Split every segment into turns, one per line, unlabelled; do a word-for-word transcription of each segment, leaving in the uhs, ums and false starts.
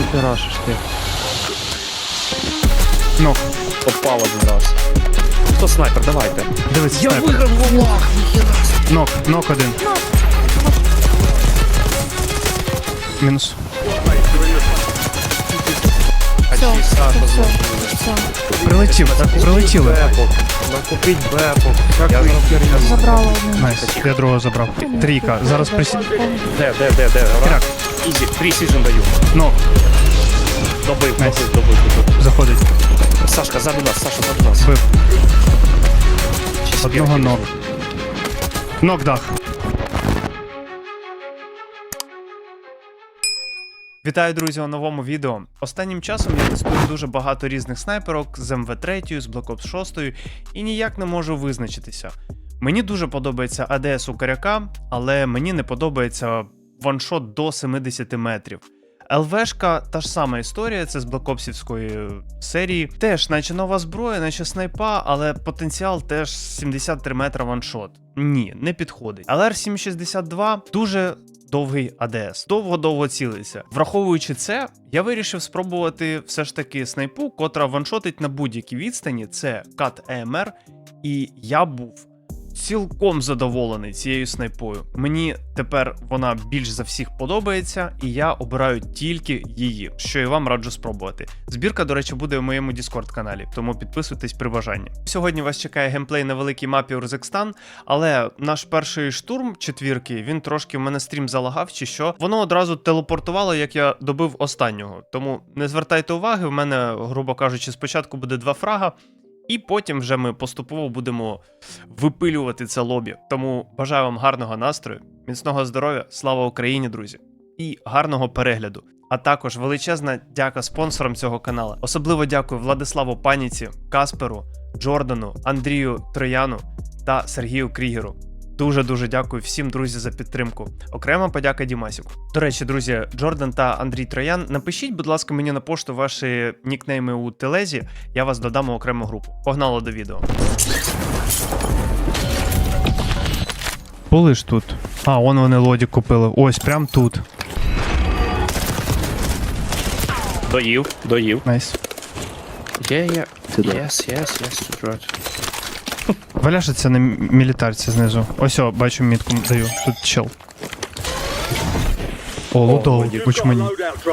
Куди ти рашиш ти?
Нок.
Попав один раз. Хто снайпер, давайте.
Дивись,
Я
снайпер.
виграв волах, ніхіра.
Нок, нок один. Мінус.
Все,
Саша,
все,
знову.
все.
Прилетів, прилетіли.
Бепок. Накупіть бепок. Як
Я
ви
зроблю.
херня?
Забрала один.
Найс, я другого забрав. Трійка, зараз присі...
Де, де, де, де?
Крак.
Ізі, пресіжн даю.
Нок,
Добив,
Найс.
добив, добив, добив.
заходить.
Сашка, ззаду нас, Саша, ззаду нас.
Бив.
Чи
Одного
спірки?
нок. Нок дах. Вітаю, друзі, у новому відео. Останнім часом я тестую дуже багато різних снайперок з ем ве три, з Black Ops шість і ніяк не можу визначитися. Мені дуже подобається а де ес у Коряка, але мені не подобається ваншот до сімдесят метрів. ел вешка та ж сама історія, це з Блакопсівської серії. Теж, наче нова зброя, наче снайпа, але потенціал теж сімдесят три метра ваншот. Ні, не підходить. ел ар сім шістдесят два дуже довгий а де ес. Довго-довго цілиться. Враховуючи це, я вирішив спробувати все ж таки снайпу, котра ваншотить на будь-якій відстані. Це кат ей ем ар, і я був цілком задоволений цією снайпою. Мені тепер вона більш за всіх подобається, і я обираю тільки її, що і вам раджу спробувати. Збірка, до речі, буде в моєму Discord каналі, тому підписуйтесь при бажанні. Сьогодні вас чекає геймплей на великій мапі Урзекстан, але наш перший штурм четвірки, він трошки в мене стрім залагав чи що. Воно одразу телепортувало, як я добив останнього. Тому не звертайте уваги, в мене, грубо кажучи, спочатку буде два фрага, і потім вже ми поступово будемо випилювати це лобі. Тому бажаю вам гарного настрою, міцного здоров'я, слава Україні, друзі, і гарного перегляду. А також величезна дяка спонсорам цього каналу. Особливо дякую Владиславу Паніці, Касперу, Джордану, Андрію Трояну та Сергію Крігеру. Дуже-дуже дякую всім, друзі, за підтримку. Окрема подяка Дімасіку. До речі, друзі, Джордан та Андрій Троян, напишіть, будь ласка, мені на пошту ваші нікнейми у телезі, я вас додам у окрему групу. Погнали до відео. Були ж тут. А, вон вони лоді купили. Ось, прям тут.
Доїв, доїв.
Найс.
Є, є. Yes, yes, yes, right.
Валяшиться на мілітарці знизу. Ось, о, бачу мітку даю. Тут чел. О, лутов, куч мені.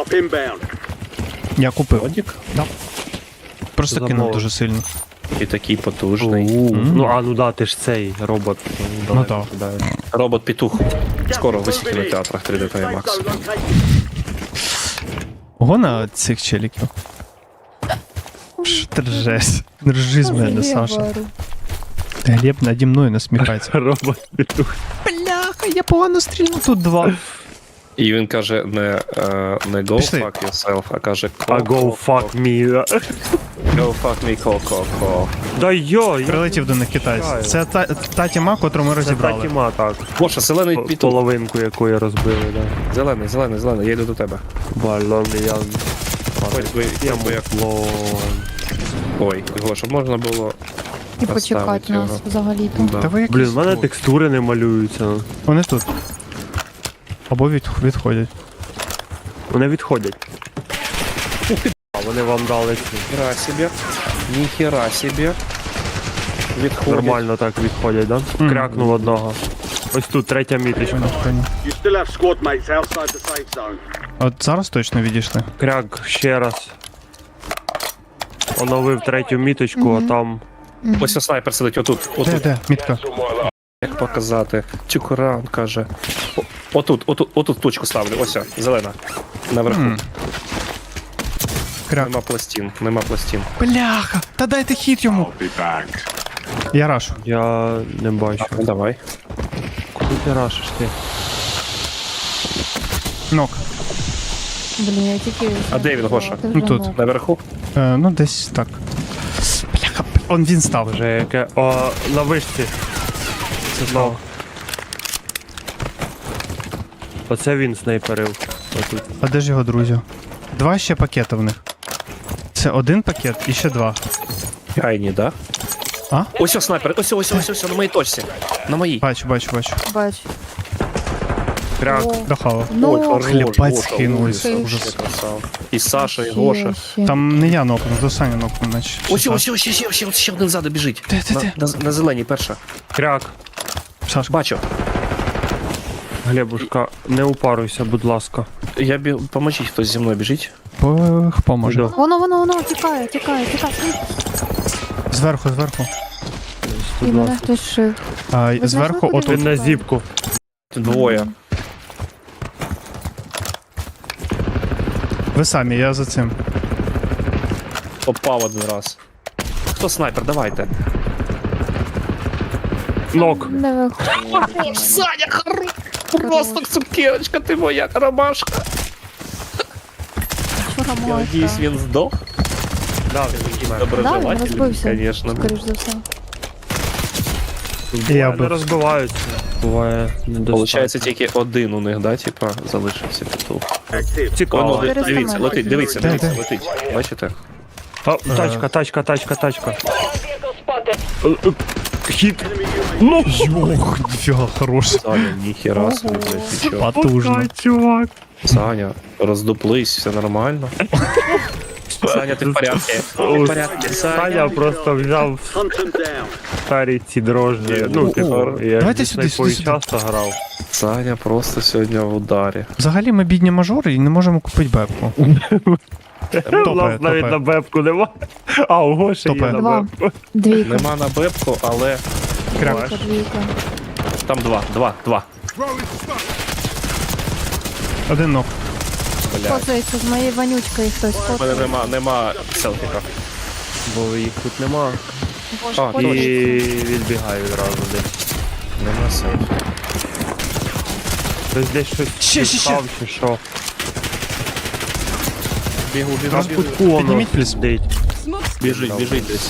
Я купив.
Лодік?
Да. Просто кинув
Замовив.
дуже сильно.
І такий потужний.
У,
Мгм.
Ну а ну да, ти ж цей робот.
Ну так.
Робот-петух. Скоро висить в кінотеатрах три дэ та ай макс.
Ого на цих челіків. Що ти ржеш? Не ржи з мене, Саша. Глеб наді мною насміхається.
Робот петух.
Бляха, я погано стрільну. Тут два.
І він каже не, е, не go
Пішли.
fuck yourself, а каже
А go fuck me.
Go fuck me, ко-ко-ко.
Да йой.
Прилетів до них китайець. Це та, та тіма, котру ми
Це та
розібрали.
тіма, так.
Боже, зелений
П-
петух.
Половинку якої розбили, да.
Зелений, зелений, зелений, я йду до тебе.
Балони, я...
Ой, ви,
Я
ви, як-
муфлон.
Ой, його, щоб можна було
І
поставити
почекати нас
його.
взагалі-то.
Да.
Та ви якісь...
Блін, в мене текстури не малюються.
Вони тут. Або від... відходять.
Вони відходять. А вони вам дали ці.
Ніхера собі. Ніхера собі. Відходять.
Нормально так відходять, да?
Мгм.
Крякнув одного. Ось тут третя міточка.
Понял, понял.
You still have squad mates outside the safe zone.
От зараз точно відійшли.
Кряк ще раз. Оновив третю міточку, а там.
Ось снайпер сидить отут.
Де,
Отут.
де? Мітка.
Як показати? Чукуран каже. О, отут, отут, отут точку ставлю. Ось, о, зелена. Наверху.
М. Кряк.
Нема пластин, нема пластин.
Бляха! Та дайте хід йому! Я рашу.
Я не бачу.
Ну давай.
Куди ти рашиш ти?
Нок.
Блін, я тільки...
А де він, Гоша?
Ти
Ну,
вже
тут.
мов.
Наверху?
Е, ну, десь так. Бляха, он він став.
Вже яке. О, на вишці.
Це
Ну. Оце він снайперив. Отут.
А де ж його друзі? Два ще пакети в них. Це один пакет і ще два.
Айні, да?
А?
Ось о, снайпер, ось, о, ось, о, ось, ось, на моїй точці. На моїй.
Бачу, бачу, бачу.
Бач.
Кряк.
О,
Дахава.
ну,
Хлібець
Гоша,
кинулись
ужас,
вже.
вообще красава. І Саша, і
ще,
Гоша.
ще.
Там не я нокнув, то Саня нокнув, наче.
Ось, ось, ось, ще, ще, ще, ще один ззаду біжить.
Де, де,
На,
де?
на, на зеленій перша.
Кряк.
Сашка.
Бачу.
Глебушка, не упаруйся, будь ласка.
Я бі... Поможіть, хтось зі мною біжить.
Пох, поможе.
Іду.
Воно, воно, воно, тікає, тікає, тікає.
Зверху, зверху.
І мене хтось шив.
А,
Ви
зверху,
знайшли, куди
отут.
Він на зіпку.
Двоє.
Ви самі, я за цим.
Попав один раз. Хто снайпер, давайте.
Нок.
Не виходить.
Саня, хорош! Просто цукерочка, ти моя ромашка.
Що
Я
ромашка?
надіюсь, він здох.
Да, він
Да, він
Доброжелательний,
розбився.
звісно.
Скоріш за все.
Я
не
бив.
розбиваються. Буває недостатньо.
Получається, тільки один у них, да, типа, залишився петух.
Active.
Воно,
Цікаво.
Чотириста
дивіться,
метрів.
летить, дивіться,
Де,
дивіться,
де?
летить. Бачите?
А, тачка, тачка, тачка, тачка. Е, е, Хід. Ну,
Йох, ніфіга, хорош.
Саня, ніхера собі, блядь, ти чо?
Потужно.
чувак.
Саня, роздуплись, все нормально. Саня, ти в порядку? Ти в порядку,
Саня
Саня?
просто взяв
Hunt them down.
старі ці дрожжі. Ну,
О,
типу, я
давайте
зі
сюди,
снайпою
сюди, сюди.
часто грав.
Саня просто сьогодні в ударі.
Взагалі ми бідні мажори і не можемо купити бепку.
У
Топає,
нас навіть
топає.
на бебку нема. А, у Гоші є
Топає.
на
Два.
бебку.
Двійка.
Нема на бебку, але
Кряк.
Двійка, двійка.
там два, два, два.
Один нок.
Бля,
Коцається з моєю вонючкою хтось.
у мене
Коцається.
нема, нема селфіка.
Бо їх тут нема.
Боже,
А,
І
коцається.
відбігаю одразу десь.
Нема селфіка.
Хтось десь щось
Ще, ще, ще.
підстав чи що.
Бігу, бігу,
Раз
бігу.
кутку воно
Підніміть плюс.
сидить.
Біжить, біжить десь.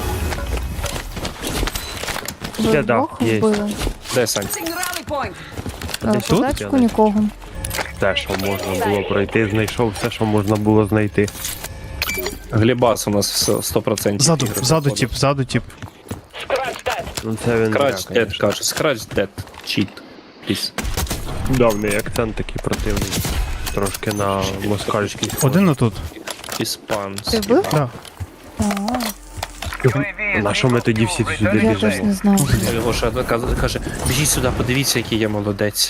Ви
Ще да,
вдвох
є.
вбили?
Де, Сань?
Е,
Десь
По
тут?
тачку нікого.
Те, що можна було пройти, знайшов все, що можна було знайти.
Глібас у нас все, сто процентів.
Ззаду,
ігри
ззаду
проходить.
тип, ззаду тип.
Ну це він
Scratch
зря,
dead,
конечно.
каже. Scratch dead. Cheat. Please.
Давний акцент такий противний. Трошки на москальський.
Один отут.
Ти
Іспанський.
вбив?
Да.
Ага,
На що ми тоді всі сюди
я теж
біжимо?
не знаю.
Його ще одна каз- каже, біжіть сюди, подивіться, який я молодець.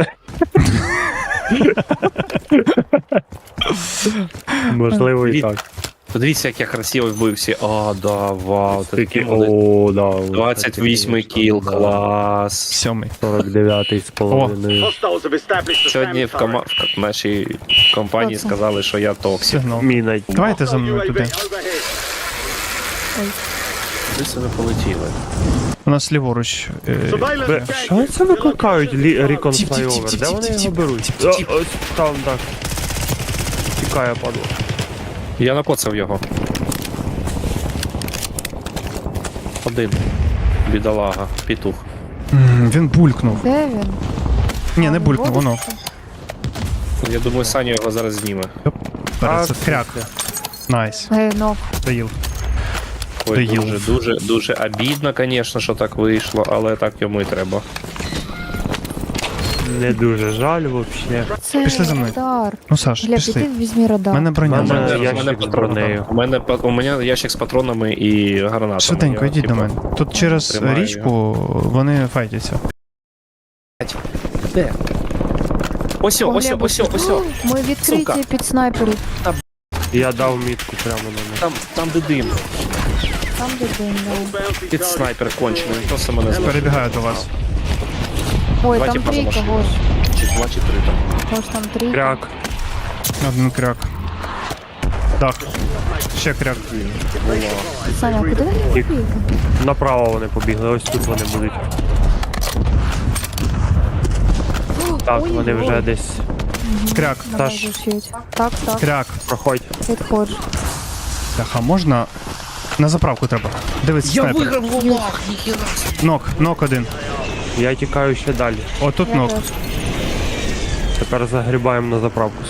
Можливо і
Від-
так.
Подивіться, як я красиво вбився. А, да, вау. ти
Такий,
такий молодець.
о, да.
двадцять восьмий кіл, клас.
Сьомий.
сорок дев'ятий з половиною.
Hostiles have established a
Сьогодні
SAM
в, кома...
turret.
в нашій компанії
Хто це?
сказали, що я токсик.
Сигнал.
Міна.
Давайте за
Hostile
мною
U A V
туди.
overhead.
Ви себе полетіли.
У нас ліворуч. е,
Surveillance
Бе,
gang.
що це викликають лі- Recon
Тіп, тіп, тіп,
Flyover?
тіп,
Де
тіп,
вони
тіп,
його
тіп,
беруть?
тіп, тіп, тіп.
О, Ось там, так. Тікає, падло.
Я накоцав його. Один. Бідолага, петух.
м, Він булькнув.
Де він?
Ні, не
А,
булькнув, воно.
виводиться?
Я думаю, Саня його зараз зніме.
Перед це
А,
кряк. Найс.
Е, нок.
Доїл.
Ой,
Доїл.
дуже, дуже, дуже обідно, звісно, що так вийшло, але так йому і треба.
Не дуже жаль взагалі.
Це
Пішли за мною.
радар.
Ну, Саш,
Глеб,
пішли.
іди візьми радар.
У мене броня.
У мене
зараз.
ящик
мене
з
патрони.
бронею.
У мене, па- у мене ящик з патронами і гранатами.
Швиденько,
Я,
йдіть до
типу,
мене. Тут через
тримаю
річку вони файтяться.
Де? Ось,
О,
ось,
Глеб,
ось, ось, ось.
Ми відкриті
Сука.
під снайперів.
Я дав мітку прямо на них.
Там, там де дим.
Там де дим, да.
Bounty
Під
target.
снайпер кончений, він просто мене збив.
Перебігаю до вас.
Ой,
Давайте
там
поза
трійка,
машину.
Гош.
Чи два, чи три там.
Гош, там трійка.
Кряк.
Один кряк. Так. Ще кряк.
Саня, а куди вони
Їх-
побігли?
Направо вони побігли, ось тут вони будуть. Так,
Ой,
вони
ой.
вже десь.
Кряк.
Давай
Саш.
зашить. Так, так,
Кряк.
Проходь.
підходжу.
Так, а можна. На заправку треба. Дивись, снайпер.
волах, ніхіра.
Нок, нок один.
Я тікаю ще далі.
Отут
Я
нок.
теж.
Тепер загрібаємо на заправку.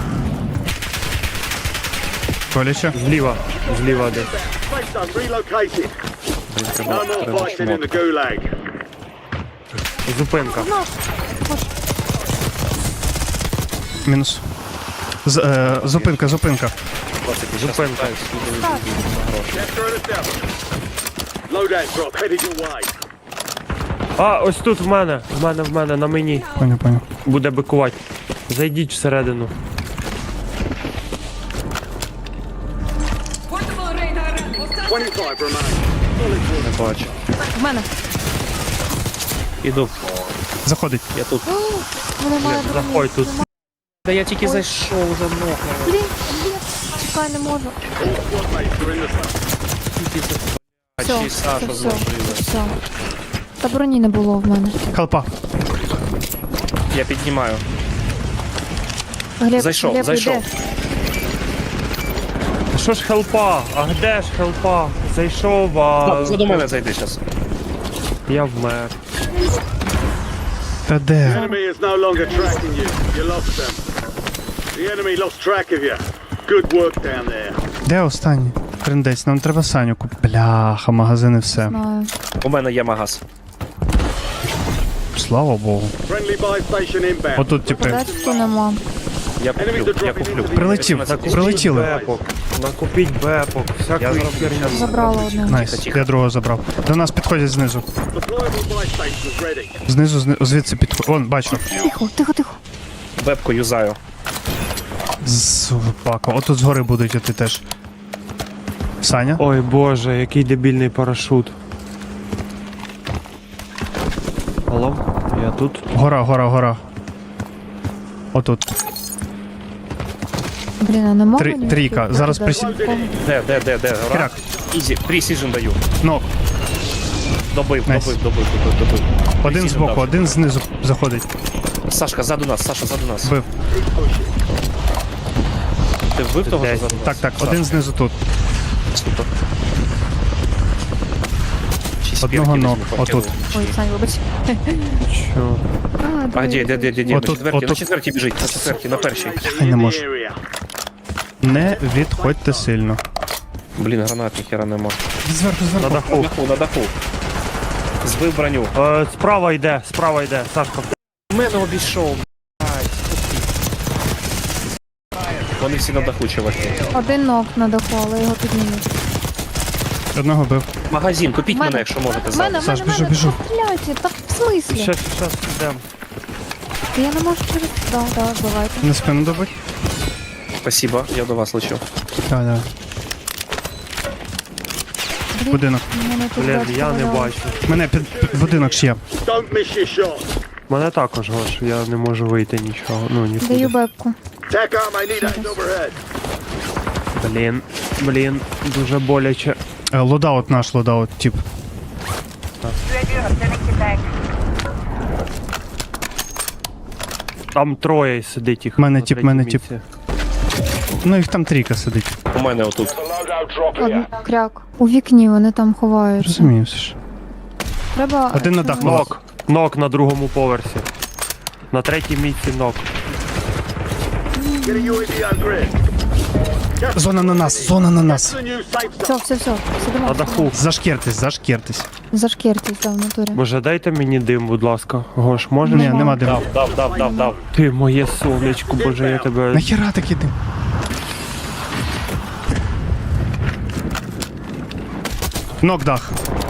Коляче.
Зліва. Зліва десь.
Safe zone relocated. No more fighting in the gulag.
Зупинка.
Мінус. З, е, зупинка, зупинка.
Зупинка.
Capture an establishment. Loadout drop headed your way.
А, ось тут в мене, в мене, в мене, на мені.
Поняв, поняв.
Буде бикувати. Зайдіть всередину.
twenty-five remain.
Не бачу.
В мене.
Іду.
Заходить.
Я тут.
В мене має броні.
Заходь тут.
Та я тільки зайшов уже много.
Блін, блін. Чекай, не можу.
All squad mates are in the
А
Все,
чи Саша
все, все,
зложила.
все. Та броні не було в мене.
Хелпа.
Я піднімаю.
Глеб,
Зайшов,
Глеб,
зайшов.
йде.
Що ж хелпа? А де ж хелпа? Зайшов, а...
За до мене зайди зараз.
Я вмер.
Та де?
enemy is no longer tracking you. You lost them. The enemy lost track of you. Good work down there.
Де останній? Трендець, нам треба Саню купити. Бляха, магазини все.
Знаю.
У мене є магаз.
Слава Богу.
Friendly buy station inbound.
Отут, типи.
Подачки нема.
Я
Enemies are
куплю, я
dropping
куплю.
into the
Прилетів,
area.
прилетіли.
Бепок. Накупіть бепок. Всякої херні.
Забрала одне.
Найс, я другого забрав. До нас підходять знизу.
Deployable buy stations ready.
Знизу, зни- звідси підходять. Вон, бачу.
Тихо, тихо, тихо.
Вебку юзаю.
Собака. Отут згори будуть іти теж. Саня?
Ой боже, який дебільний парашут. Алло, я тут.
Гора, гора, гора. Отут.
Блін, а не можу?
Три-
ні
трійка.
відкрити?
Зараз
Де?
присі-
Де, де, де, де? Гора?
Кряк.
Ізі, пресіжн даю.
Ног.
Добив,
Найс.
добив, добив, добив, добив.
Один
Precision
збоку,
дав.
один знизу заходить.
Сашка, ззаду нас, Саша, ззаду нас.
Бив.
Ти вбив того, що
Десь.
ззаду нас?
Так, так,
Саша,
один знизу тут.
супер. Чи
Одного
спірки
ног.
візьму,
Отут.
Ой, Сань, вибач.
Що?
А,
А де, де, де, де, де? На
Отут,
четвертій, на
отут.
четвертій біжить, на четвертій, на першій.
Я не
In the
можу.
area.
Не відходьте сильно.
Блін, гранат ніхера нема.
Зверху,
На
зверху.
На
даху.
даху, на даху. Збив броню.
Е, справа йде, справа йде, Сашка.
У мене обійшов, блядь. Вони всі на даху, чуваки.
Один ног на даху, але його піднімуть.
Одного бив.
Магазин, купіть
В
мене, якщо можете
В мене,
зараз.
в
Саш,
мене, в
біжу,
мене.
біжу.
Стріляйте, так в смислі?
Ще, щас йдемо.
Та я не можу через... Да, да, бувайте.
На спину добить?
Спасибо, я до вас лечу.
Так, так.
Блін,
Будинок.
мене тут
Блін,
батько
я не
валяв.
бачу.
Мене під, під будинок ще є.
Don't miss your shot.
Мене також, Гош, я не можу вийти нічого. Ну,
Даю
нікуди.
бебку.
Tac arm, I need eyes overhead.
Блін, блін, дуже боляче.
Е, Лодаут наш, лодаут, тип.
Там троє сидить їх.
Мене
на
тіп,
третій
мене тіп.
місці.
Ну їх там трійка сидить.
У мене отут.
Loadout drop
Один кряк. У вікні вони там ховаються.
Розумію все ж.
Треба...
Один на дах.
Нок. Нок на другому поверсі. На третій місці нок.
Get a ю ей ві on grid.
Зона на нас, зона на нас.
The new safe zone.
Все, все, все. Сидимо.
На даху.
Зашкертись, зашкертись.
Зашкертись, да, в натурі.
Може, дайте мені дим, будь ласка. Гош, можеш?
Ні, нема диму.
Дав, дав, дав, дав, дав.
Ти моє сонечко, боже, я тебе.
Нахіра такий дим? Нок дах.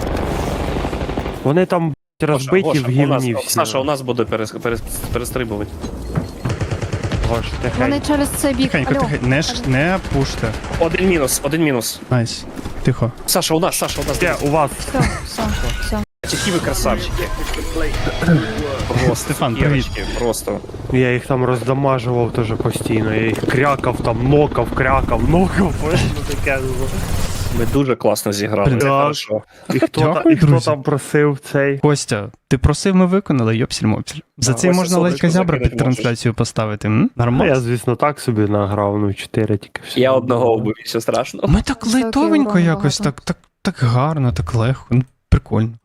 Вони там б***ь, розбиті
Гоша,
в
у нас-
гівні всі.
Саша, у нас буде перес, перес, перестрибувати.
Гош,
Вони
тихенько.
через цей бік.
Тихенько,
Алло.
тихенько. Не, ш- не пуште.
Один мінус, один мінус.
Найс. Тихо.
Саша, у нас, Саша, у нас.
Де, у вас?
Все, все, все.
Які ви красавчики. Просто,
Стефан, привіт.
цукерочки, просто.
Я їх там роздамажував теж постійно. Я їх крякав там, нокав, крякав, нокав. Ну, таке.
Ми дуже класно зіграли.
Блін,
Це
так.
хорошо.
І хто, та,
Дякую,
і хто
друзі.
там просив цей?
Костя, ти просив, ми виконали, йопсіль-мопсіль. За
Да,
це
Костя,
можна ледь
сонечко
зябра
закинуть
під трансляцію поставити, м?
Ну,
Нормально.
я, звісно, так собі награв, ну, чотири тільки все.
Я одного вбив, що страшно.
Ми так
Високий
лайтовенько
урон
якось,
багато.
так, так, так гарно, так легко. Ну, прикольно.